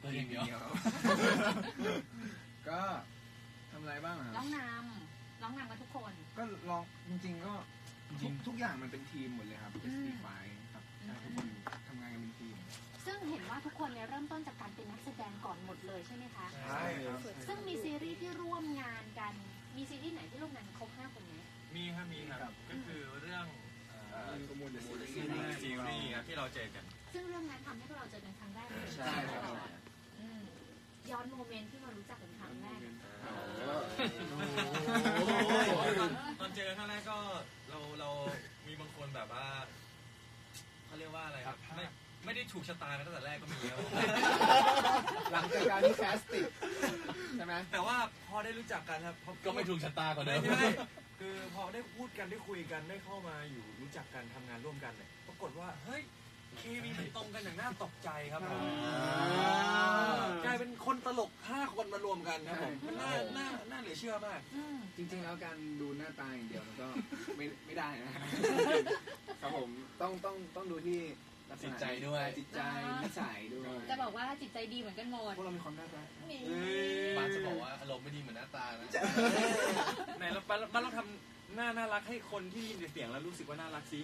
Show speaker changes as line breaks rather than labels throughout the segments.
อย่างเดียวก็ทำอะไรบ้างครับ
ร้องนำกันทุกคน
ก็ลองจริงๆก็ทุกอย่างมันเป็นทีมหมดเลยครับ SD5 ครับทุกคนทำงานกันเป็นทีม
ซึ่งเห็นว่าทุกคนเนี่ยเริ่มต้นจากการเป็นนักแสดงก่อนหมดเลยใช่ไหมคะ
ใช่ครับ
ซึ่งมีซีรีส์ที่ร่วมงานกันมีซีรีส์ไหนที่ร่วมงานครบ5 คนไหม
มีครับก็คือเรื่อง
มูล
ซีรีส์ครับที่เราเจอกัน
ซึ่งเรื่องนั้นทำให้พวกเราเจอกันครั้งแรกเลย
ใช่ครับ
ย้อนโมเมนต์ที่เรารู้จักกันครั้งแรก
ตอนเจอกันครั้งแรกก็เรามีบางคนแบบว่าเขาเรียกว่าอะไรครับไม่ได้ถูกชะตากันตั้งแต่แรกก็มีครับ
หลังจากการที่แคสติ้งใช่ไหม
แต่ว่าพอได้รู้จักกันครับ
ก็ไม่ถูกชะตาก่อนเลย
ใช่คือพอได้พูดกันได้คุยกันได้เข้ามาอยู่รู้จักกันทำงานร่วมกันเนี่ยปรากฏว่าเฮ้ยเคมีมันตรงกันอย่างน่าตกใจครับผมกลายเป็นคนตลก5 คนมารวมกันครับผมมันน่าเหลือเชื่อมาก
จริงๆแล้วการดูหน้าตาอย่างเดียวมันก็ไม่ได้นะครับผมต้องดูที่
จิตใจด้วย
จิตใจนิสัยด้วย
จะบอกว่าจิตใจดีเหมือนกันหมด
พวกเรามีความน่ารัก
บ้านจะบอกว่าอารมณ์ไม่ดีเหมือนหน้าตานะ
ไหนเราทำหน้าน่ารักให้คนที่ยินเสียงแล้วรู้สึกว่าน่ารักสิ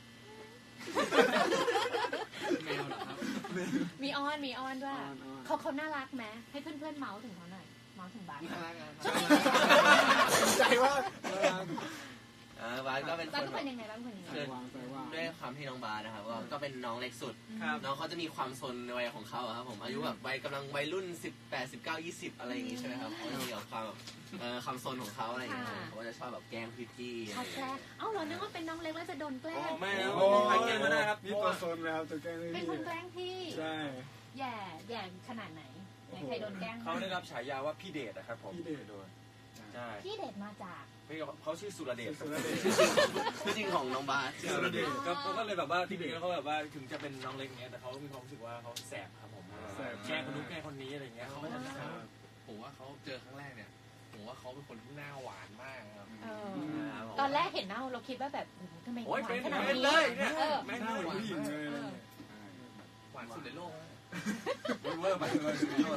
แมวเหรอครับ
มีอ้อนด้วยเขาน่ารักไหมให้เพื่อนเมาส์ถึงเขาหน่อยเมาส์ถึงบ้าน
น่ารักใจว่า
บาสก็เป็นคน
เป็นยังไงบ้างคนนี้
คือด้วยความที่น้องบาสนะครับก็เป็นน้องเล็กสุดน้องเขาจะมีความซนในวัยของเขาครับผมอายุแบบกำลังวัยรุ่น18 19 20อะไรอย่างงี้ใช่ไหมครับเขาจะมีความซนของเขาอะไรอย่างเงี้ยเขาจะชอบแบบแกล้งพี่ๆ
เขาแกล้งเหรอนึกว่าเป็นน้องเล็กแล้วจะโดนแกล้ง
ไม่ใครแกล้งก็ได้ครับ
นี่ตัวซนแล้วตัวแกล้ง
เป็นคนแกล้งพี่
ใช่
แย่ขนาดไหนใครโดนแกล้ง
เขาได้รับฉายาว่าพี่เดชนะครับผม
พี่เดช
ด้วยใช่
พี่เดชมาจาก
เขาชื่อสุรเดช
ชื่อจริงของน้องบาส
สุรเดชก็เลยแบบว่าที่นี่เขาแบบว่าถึงจะเป็นน้องเล็กเงี้ยแต่เขามีความรู้สึกว่าเขาแสบครับผมแกล้งคนนู้นแกล้งคนนี้อะไรเงี้ยเขาก็จะ
ผมว่าเขาเจอครั้งแรกเนี่ยผมว่าเขาเป็นคนที่หน้าหวานมากครับ
ตอนแรกเห็นหน้าเราคิดว่าแบบทำไมหวานขนาดนี้
เลย
ไม่หน้าหวานผู้หญิงเลย
หวานสุดในโลก
เวอร์ไปเลย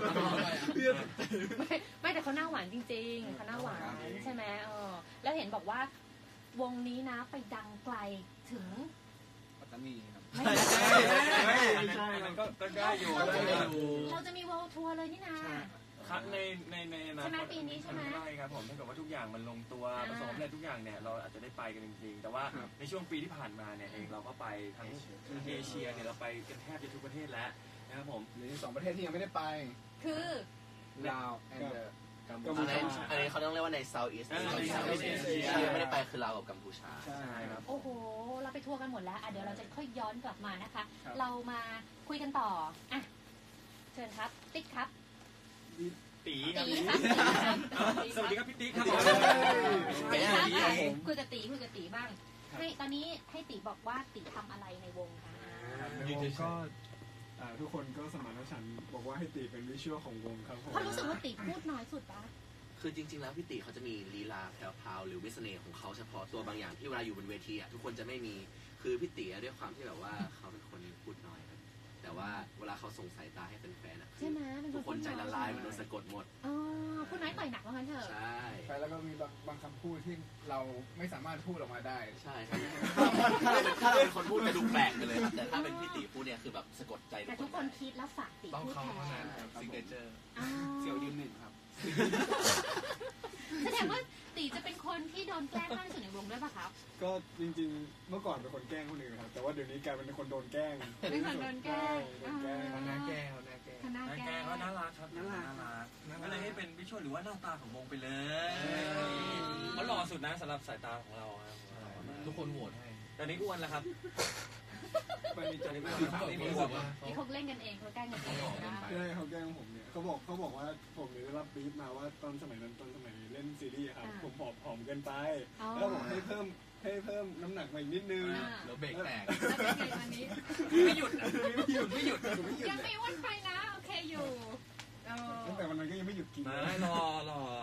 ไม่แต่เขาหน้าหวานจริงๆเขาหน้าหวานใช่ไหมแล้วเห็นบอกว่าวงนี้นะไปดังไกลถึง
ปัตตานีครับ
ไม่ใช่ก็ได้อยู่
เราจะมีวอลทัวร์เลยนี่นะครับ
ใน
ใช่ไหมปีนี้ใช่ไหม
ใช่ครับผมถ้าเกิดว่าทุกอย่างมันลงตัวผสมอะไรทุกอย่างเนี่ยเราอาจจะได้ไปกันจริงๆแต่ว่าในช่วงปีที่ผ่านมาเนี่ยเองเราก็ไปทั้งเอเชียเนี่ยเราไปกันแทบจะทุกประเทศแล้วนะครับผม
หรือ2 ประเทศที่ยังไม่ได้ไป
คือ
ลาวและ
กัมพูชาอันนี้เขาต้องเรียกว่าใน Southeast ที่ยังไม่ได้ไปคือลาวกับกัมพูชา
ใช่ครับ
โอ้โหเราไปทัวร์กันหมดแล้วเดี๋ยวเราจะค่อยย้อนกลับมานะคะเรามาคุยกันต่ออ่ะเชิญครับติ๊กครับ
ตีครับสวัสดีครับพี่ติ๊กครับ
คุยกับตีบ้างให้ตอนนี้ให้ตีบอกว่าตีทำอะไรในวงคะ
ก็ทุกคนก็สมานฉันท์บอกว่าให้ตีเป็นวิชวลของวงครับ
เพราะรู้สึกว่าตีพูดน้อยสุดปะ
คือจริงๆแล้วพี่ตีเขาจะมีลีลาแพรวๆหรือวิสเน่ของเขาเฉพาะตัวบางอย่างที่เวลาอยู่บนเวทีทุกคนจะไม่มีคือพี่ตีด้วยความที่แบบว่าเขาเป็นคนพูดน้อยครับแต่ว่าเวลาเขาส่งสายตาให้แฟนๆ
ใช่ไหม
ทุกคนใจละลายมันโดนสะกดหมด
พูดน้อยต่อยหนักว่างั้นเถอะ
ใช่
แล้วก็มีบางคำพูดที่เราไม่สามารถพูดออกมาได้
ใช่ครับถ้าเราเป็นคนพูดจะดูแปลกไปเลยครับแต่ถ้าเป็นพี่ตีพูดเนี่ยคือแบบสะกดใจ
แต่ทุกคนคิดแล้วฝากตี
พูด
แท
นซิกเนเจอร์
เสี่ยวยืน1ครับ
แสดงว่าตีจะเป็นคนที่โดนแกล้งมากที่สุดในวงด้วยป่ะครับ
ก็จริงๆเมื่อก่อนเป็นคนแกล้งคนอื่นครับแต่ว่าเดี๋ยวนี้กลายเป็นคนโดนแกล้ง
เป็นคนโดนแกล้ง
เขาหน้าแกล้ง
เขาน่ารักครับน่ารักก็เลยให้เป็นวิชวลหรือว่าหน้าตาของวงไปเลยเขาหล่อสุดนะสำหรับสายตาของเรา
ทุกคนโหวตให้
ตอนนี้อ้วนแล้วครับ
มันมีจริตไม่
มีอ้วนที่เขาเล่นกันเองเขาแกล้งกันเองนะ
ใช่เขาแกล้งผมเนี่ยเขาบอกว่าผมเนี่ยได้รับบีฟมาว่าตอนสมัยเล่นซีรีส์ครับผมผอมเกินไปแล้วบอกให้เพิ่มน้ำหนักมาอีกนิดนึง
แล้วเบรกแตก
แล้วเป็นไงวันนี้
ไม่หยุด
ยังไม่อ้วนไปนะโอเคอยู่
ตั้งแต่วันนั้นก็ยังไม่หยุดกิน
รอ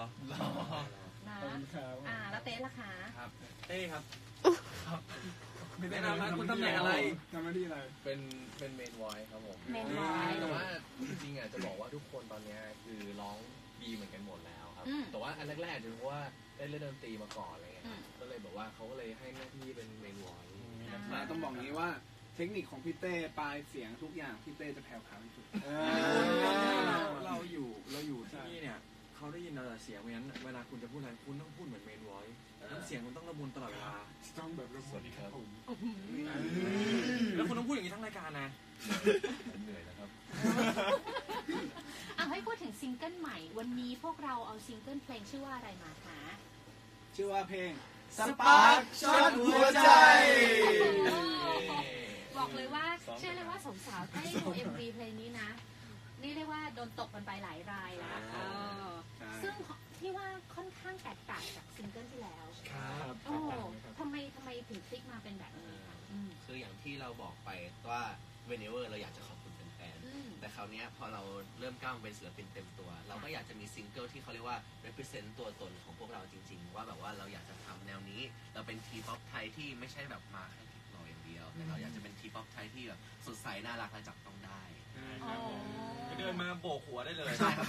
นะแล้วเต้ล่ะคะ
ครับเต้ครับแนะนำนะคุณตำแหน่งอะไร
ทำหน้าที่อะไร
เป็นเมนวอยครับผม
เมนวอย
แต่ว่าจริงๆอ่ะจะบอกว่าทุกคนตอนเนี้ยคือร้องดีเหมือนกันหมดแล้วครับ แต่ว่าอันแรกๆจะรู้ว่าได้เล่นดนตรีมาก่อนอะไรเงี้ยครับก็เลยแบบว่าเขาก็เลยให้หน้าที่เป็นเมนวอย
ต้องบอกงี้ว่าเทคนิคของพี่เต้ปลายเสียงทุกอย่างพี่เต้จะแผ่วพราวที่สุด
เราอยู่ที่นี่เนี่ยเขาได้ยินเราแต่เสียงเพราะฉะนั้นเวลาคุณจะพูดอะไรคุณต้องพูดเหมือนเมนวอยซ์น้ำเสียงคุณต้องละมุนตลอดเวลา
ต้องแบบสวัสดีครับผม
แล้วคุณต้องพูดอย่างนี้ทั้งรายการนะ
เหนื่อยนะครับ
ให้พูดถึงซิงเกิลใหม่วันนี้พวกเราเอาซิงเกิลเพลงชื่อว่าอะไรมาคะ
ชื่อว่าเพลง
สปาร์คช็อตหัวใจ
บอกเลยว่าเชื่อเลยว่าสาวๆได้ดู MV เพลงนี้นะนี่เรียกว่าโดนตกกันไปหลายรายแล้วซึ่งที่ว่าค่อนข้างแตกต่างจากซิงเกิลที่แล้ว
ครับ
โอ้ทำไมถึงพลิกมาเป็นแบบนี้คะ
คืออย่างที่เราบอกไปว่า whenever เราอยากจะขอบคุณแฟน แต่คราวนี้พอเราเริ่มก้าวเป็นศิลปินเต็มตัว เราก็อยากจะมีซิงเกิลที่เขาเรียกว่า represent ตัวตนของพวกเราจริงๆว่าแบบว่าเราอยากจะทำแนวนี้เราเป็นทีป๊อปไทยที่ไม่ใช่แบบมาแค่ทิปเราอย่างเดียวแต่เราอยากจะเป็นทีป๊อปไทยที่แบบสดใสน่ารักและจับต้องได้
เดินมาโบกหัวได้เลย
ใช่ครับ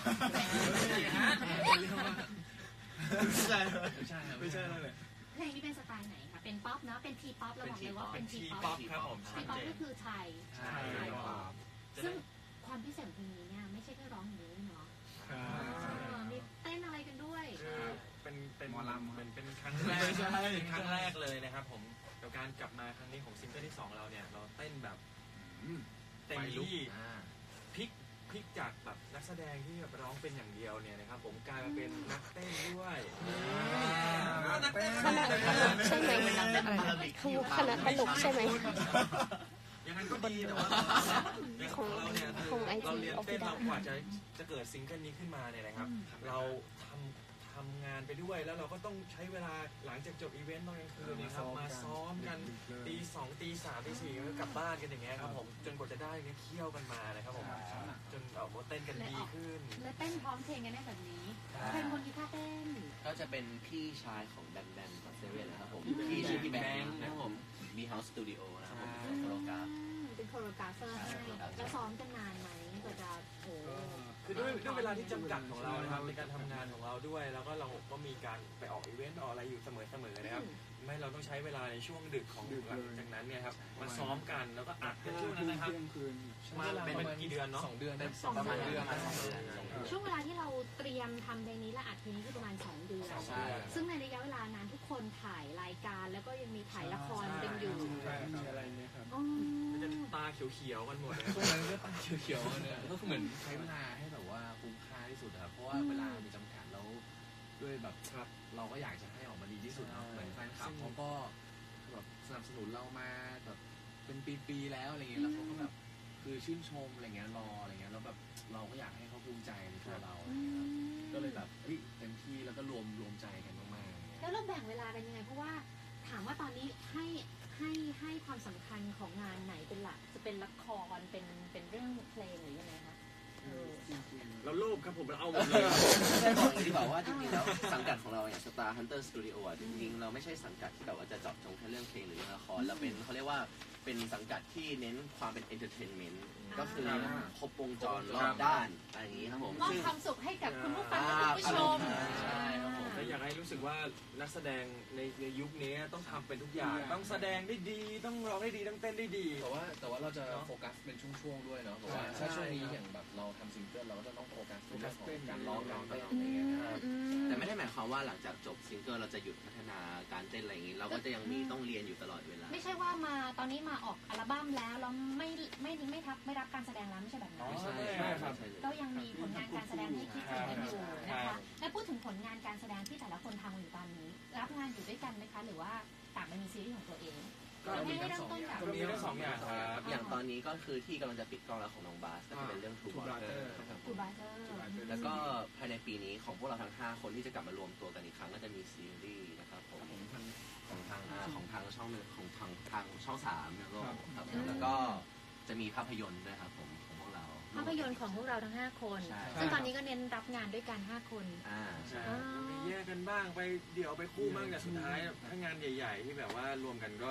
ไม่ใช่นั่นแหละ
เพลงนี้เป็นสไตล์ไหนคะเป็นป๊อปเนาะเป็นทีป๊อปเราบอกเลยว่าเป็นทีป๊อป
ครับผม
ทีป๊อปก็คือไทย
ใช่
ซึ่งความพิเศษของเพลงนี้เนี่ยไม่ใช่แค่ร้องอย่างเดียวเนาะมีเต้นอะไรกันด้วย
เป็นหมอลำเป็นครั้งแรกครั้งแรกเลยนะครับผมกับการกลับมาครั้งนี้ของซิงเกิลที่2เราเนี่ยเราเต้นแบบเต็มที่พลิกจากแบบนักแสดงที่แบบร้องเป็นอย่างเดียวเนี่ยนะครับผมกลายมาเป็นนักเต้นด้วยนักเต้น
ใช่ไหมคือคณะตลกใช่ไหม
อย่างนั้นก็ดีแต่ว่าของเราเนี่ยเราเรียนเต้นเรากว่าจะเกิดซิงเกิลนี้ขึ้นมาเนี่ยนะครับเราทำงานไปด้วยแล้วเราก็ต้องใช้เวลาหลังจากจบอีเวนต์ตอนกลางคืนนะครับมาซ้อมกันตี 2 ตี 3 ตี 4ก็กลับบ้านกันอย่างเงี้ยครับผมจนกว่าจะได้เนี่ยเคี่ยวกันมานะครับผมจนออกมาเต้นกันดีขึ้น
และเต้นพร้อมเพลงกันได้แบบนี้ใครเป็นคนกีตาร์เต้น
ก็จะเป็นพี่ชายของแบนแบนกับเซเว่นนะครับผมพี่ชื่อพี่แบงค์นะครับผมมีเฮาส์สตูดิโอนะครับผมเป็นโคโรกราฟ
เป็นโคโรกราฟเฟอร์ให้แล้วซ้อมกันนานไหมกว่าจะโอ้
คือด้วยเวลาที่จำกัดของเรานะครับในการทำงานของเราด้วยแล้วก็เราก็มีการไปออกอีเวนต์ออกอะไรอยู่เสมอนะครับไม่เราต้องใช้เวลาในช่วงดึกของหลังจากนั้นเนี่ยครับมาซ้อมกันแล้วก็อัดกันช่วงนั้นนะครับมาเป็นกี่เดือนเนาะ
2 เดือน
ประมาณเดือน
ช่วงเวลาที่เราเตรียมทำเพลงนี้และอัดเพลงนี้คือประมาณ2 เดือนซึ่งในระยะเวลานั้นทุกคนถ่ายรายการแล้วก็ยังมีถ่ายละครกันอยู่
อะไรเนี่ยครับ
มันจะตาเขียวๆกันหมดเลย
ช่วงนั้นก็ตาเขียวๆเนี่ยก็เหมือนใช้เวลาให้แบบว่าคุ้มค่าที่สุดครับเพราะว่าเวลามีจำกัดแล้วด้วยแบบเราก็อยากจะให้ออกมาดีที่สุดเนาะเหมือนแฟนคลับเขาก็แบบสนับสนุนเรามาแบบเป็นปีๆแล้วอะไรเงี้ยแล้วเขาก็แบบคือชื่นชมอะไรเงี้ยรออะไรเงี้ยแล้วแบบเราก็อยากให้เขาภูมิใจในตัวเราก็เลยแบบเต็มที่แล้วก็รวมใจกันมากๆ
แล้วเราแบ่งเวลากันยังไงเพราะว่าถามว่าตอนนี้ให้ความสำคัญของงานไหนเป็นหลักจะเป็นละครเป็นเรื่องเพลงหรือยังไงคะ
เราโลภครับผมเราเอาหมดเลย
ได้บอกอย่างที่บอกว่าจริงๆแล้วสังกัดของเราอย่าง Star Hunter Studio อ่ะจริงๆเราไม่ใช่สังกัดที่แบบว่าจะเจาะจงแค่เรื่องเพลงหรือเรื่องละครเราเป็นเขาเรียกว่าเป็นสังกัดที่เน้นความเป็น entertainment ก็คือครบวงจรรอบด้านอะไรอย่างนี้ครับผม
มอบความสุขให้กับคุณผู้ฟังและคุณผู้ชม
ใช่ครับผม
และอยากให้รู้สึกว่านักแสดงในยุคนี้ต้องทำเป็นทุกอย่างต้องแสดงได้ดีต้องร้องได้ดีต้องเต้นได้ดี
แต่ว่าเราจะโฟกัสเป็นช่วงๆด้วยเนาะเพราะว่าถ้าช่วงนี้อย่างแบบเราทำซิงเกิลเราก็จะต้องโฟกัสเรื่องของการร้องการเต้นอะไรเงี้ย
แต่ไม่ได้หมายความว่าหลังจากจบซิงเกิลเราจะหยุดพัฒนาการเต้นอะไรอย่างนี้เราก็จะยังมีต้องเรียนอยู่ตลอดเวลา
ไม่ใช่ว่ามาตอนนี้มาออกอัลบั้มแล้วเราไม่รับการแสดงแล้วไม่ใช่แบบนั้นก็ยังมีผลงานการแสดงให้คิดถึงกันอยู่นะคะและพูดถึงผลงานการแสดงที่แต่ละคนทำอยู่ตอนนี้รับงานอยู่ด้วยกันไหมคะหรือว่าต่างไปมีซีรีส์ของตัวเอง
ก็มีทั้ง2 อย่าง
มีทั้ง2 อย่างครับ
อย่างตอนนี้ก็คือที่กำลังจะปิดกล้องแล้วของน้องบาสก็จะเป็นเรื่อง True Butter แล้วก็ภายในปีนี้ของพวกเราทั้ง5คนที่จะกลับมารวมตัวกันอีกครั้งก็จะมีซีรีส์นะครับผมของทางช่องทางช่อง3นะครับแล้วก็จะมีภาพยนตร์ด้วยครับผมของพวกเรา
ภาพยนตร์ของพวกเราทั้ง5คนซึ่งตอนนี้ก็เน้นรับงานด้วยกัน5คน
ใช่ไปแยกกันบ้างไปเดี่ยวไปคู่บ้างแต่สุดท้ายถ้างานใหญ่ๆที่แบบว่ารวมกันก็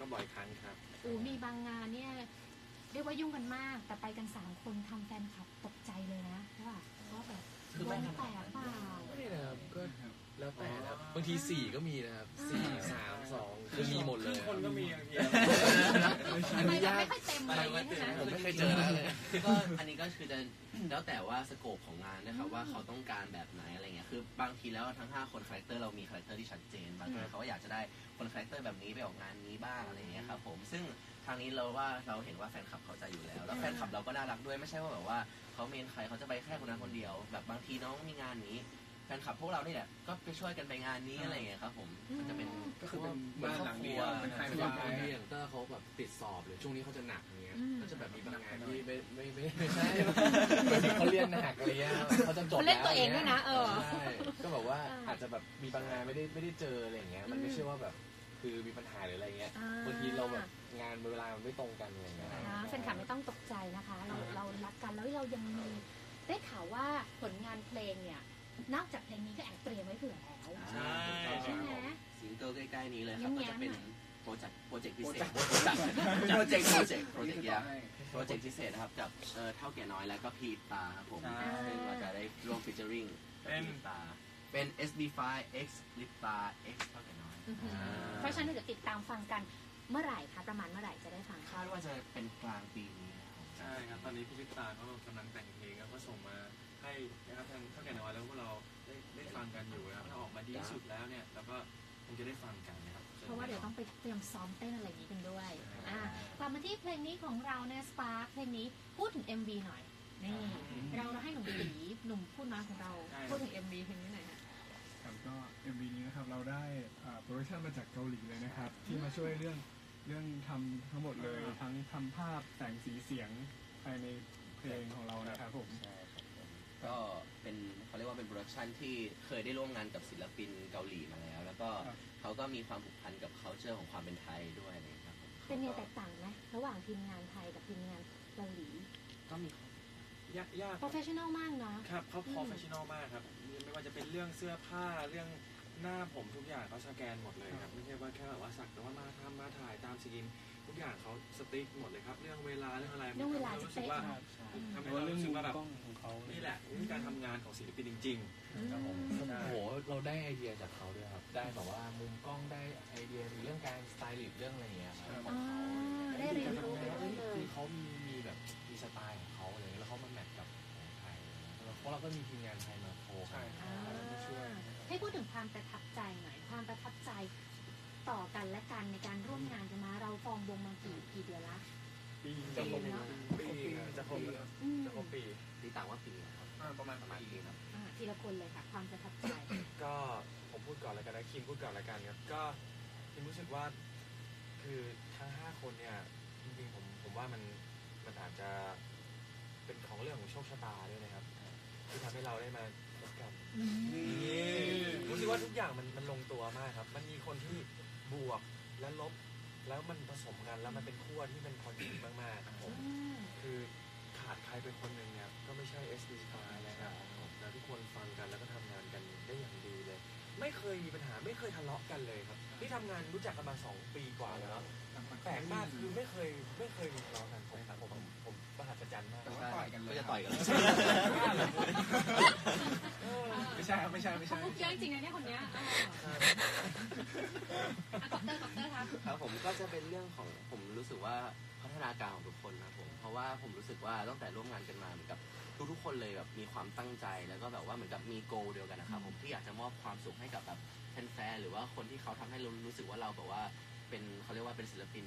ก็บ่อยครั้งครับ
มีบางงานเนี่ยเรียกว่ายุ่งกันมาก แต่ไปกัน3 คนทำแฟนคลับตกใจเลยนะว่าแบบ
คือ
ว
ไม่
ง
ขนาด
แตกเปล่า
ไม่นะครับก็แล้วแต่นะครับบางที4ก็มีนะครับ4 3 2คือมีหมดเลย
คนก็มีบางที
ทำไมมันไม่ค่อยเต็มอะไรอย่างเงี้ยใช่ไหม
ผมไม่เคยเจอนะเลย
ก็อันนี้ก็คือจะแล้วแต่ว่าสโคปของงานนะครับว่าเขาต้องการแบบไหนอะไรเงี้ยคือบางทีแล้วทั้ง5 คนคาแรคเตอร์เรามีคาแรคเตอร์ที่ชัดเจนบางทีเขาก็อยากจะได้คนคาแรคเตอร์แบบนี้ไปออกงานนี้บ้างอะไรเงี้ยครับผมซึ่งทางนี้เราเห็นว่าแฟนคลับเข้าใจอยู่แล้วแฟนคลับเราก็น่ารักด้วยไม่ใช่ว่าแบบว่าเขาเมนใครเขาจะไปแค่คนนั้นคนเดียวแบบบางทีน้องมีงานนี้แฟนคลับพวกเรานี่แหละก็ไปช่วยกันไปงานนี้อะไรเงี้ยครับผมมันจะเป็น
ก็คือเป็นบ้านหลังเดียวเป็นไฮ
สำ
ไฟ
หรับบางทีอย่างเตอร์เขาแบบติดสอบเลยช่วงนี้เขาจะหนักอย่างเงี้ยก็จะแบบมีบางงานที่ไม่ใช่เขาเรียนหนักอะไรเงี้ยเขาจะจบแล้ว
เขาเล่นตัวเองด้วยนะ
ใช่ก็แบบว่าอาจจะแบบมีบางงานไม่ได้เจออะไรอย่างเงี้ยมันไม่ใช่ว่าแบบคือมีปัญหาหรืออะไรเงี้ยบางทีเราแบบงานเวลามันไม่ตรงกันอะไรเงี้ย
แฟนคลับไม่ต้องตกใจนะคะ เรารักกันแล้วเรายังมีได้ข่าวว่าผลงานเพลงเนี่ยนอกจากเพลงนี้ก็แอบเตรียมไว้เผื่อแล้ว
ใช่
ใช่ไหม
ซิงเกิลใกล้ๆนี้เลยครับก็จะเป็นโปรเจกต์พิเศษโปรเจกต์พิเศษนะครับกับเท่าแก่น้อยแล้วก็พีตาครับผมซึ่งเราจะได้ร่วมฟีเจอริ่งพีตาเป็น SB5 X ลิปตา X เท่าแก่น้อย
เพราะฉะนั้นเดี๋ยวติดตามฟังกันเมื่อไหร่คะประมาณเมื่อไหร่จะได้ฟัง
คาดว่าจะเป็นกลางปีนี้นะครับ
ใช่ครับตอนนี้พี่พิตาเขากำลังแต่งเพลงแล้วก็ส่งมาให้นะครับทางเท่าแก่น้อยแล้วพวกเราได้ฟังกันอยู่นะครับถ้าออกมาดีที่สุดแล้วเนี่ยเราก็คงจะได้ฟังกันนะครับ
เพราะว่าเดี๋ยวต้องไปเตรียมซ้อมเต้นอะไรอย่างนี้กันด้วยกลับมาที่เพลงนี้ของเราเนี่ยสปาร์คเพลงนี้พูดถึง MV หน่อยนี่เราให้หนุ่มตีหนุ่มพูดน้อยของเราพูดถึง MV เพลงนี้หน่อยค่ะ
ครับก็ MV นี้นะครับเราได้โปรดักชั่นมาจากเกาหลีเลยนะครับที่มาช่วยเรื่องทำทั้งหมดเลยทั้งทำภาพแต่งสีเสียงภายในเพลงของเรานะครับผม
ก็เป็นเขาเรียกว่าเป็นโปรดักชันที่เคยได้ร่วมงานกับศิลปินเกาหลีมาแล้วแล้วก็เขาก็มีความผูกพันกับ culture ของความเป็นไทยด้วยนะครับ
เป็นไงแตกต่างไหมระหว่างทีมงานไทยกับทีมงานเกาหลี
ก็มี
ยาก
professional มากนะครับ
เขา professional มากครับไม่ว่าจะเป็นเรื่องเสื้อผ้าเรื่องหน้าผมทุกอย่างเขาสแกนหมดเลยครับไม่ใช่ว่าแค่แบบว่าสักแต่ว่ามาถ่ายตามสกินทุกอย่างเขาสติ๊กหมดเลยครับเรื่องเวลาเรื่องอะไร
เรื่องเวลาจะ
รู้สึก
เป๊ะ
ว่าทำให้เรารู้สึกว่าแบบ
ของเขา
นี่แหละคือการทำงานของศิลปินจริงๆครับผม
โอ้โหเราได้ไอเดียจากเขาด้วยครับได้แบบว่ามุมกล้องได้ไอเดียเรื่องการสไตลิสต์เรื่องอะไรอย่างเงี้ยครับ
ได้เรียนรู้ไปด้วยเลย
คือเขามีแบบมีสไตล์ของเขาอะไรแล้วเขามาแมทกับของไทยเพราะเราก็มีทีมงานไทยมาโคกันช่วย
ให้พูดถึงความประทับใจหน่อยความประทับใจต่อกันและกันในการร่วมงานกันมาเราฟอร์มวงมากี่เดือนละ
จะครบปี
ที่ต่างว่าปีครับประมาณปีครับ
ทีละคนเลยค่ะความประทับใจ
ก็ผมพูดก่อนแล้วกันนะคิมพูดก่อนแล้วกันครับก็คิมรู้สึกว่าคือทั้ง5 คนเนี่ยจริงๆผมว่ามันอาจจะเป็นของเรื่องของโชคชะตาด้วยนะครับที่ทำให้เราได้มาพบกันรู้สึกว่าทุกอย่างมันลงตัวมากครับมันมีคนที่บวกและลบแล้วมันผสมกันแล้วมันเป็นขั้วที่เป็นพอดีมากๆครับผมคือขาดใครไปคนหนึ่งเนี่ยก็ไม่ใช่ SD5 นะครับแล้วทุกคนฟังกันแล้วก็ทำงานกันได้อย่างดีเลยไม่เคยมีปัญหาไม่เคยทะเลาะกันเลยครับที่ทำงานรู้จักกันมา2 ปีกว่าแล้วแปลกมากคือไม่เคยมีทะเลาะกันผมประหัศจรรย์มาก
ก็จะต่อยกัน
ไม่ใช่ครับไม่ใช่
พูดเยอะจริงนะเนี่ยคนเนี้ยคอปเตอร์ครับ
ผมก็จะเป็นเรื่องของผมรู้สึกว่าพัฒนาการของทุกคนนะผมเพราะว่าผมรู้สึกว่าตั้งแต่ร่วมงานกันมาเหมือนกับทุกคนเลยแบบมีความตั้งใจแล้วก็แบบว่าเหมือนกับมีโกเดียวกันนะครับผมที่อยากจะมอบความสุขให้กับแบบแฟนๆหรือว่าคนที่เขาทำให้เรารู้สึกว่าเราแบบว่าเป็นเขาเรียกว่าเป็นศิลปิน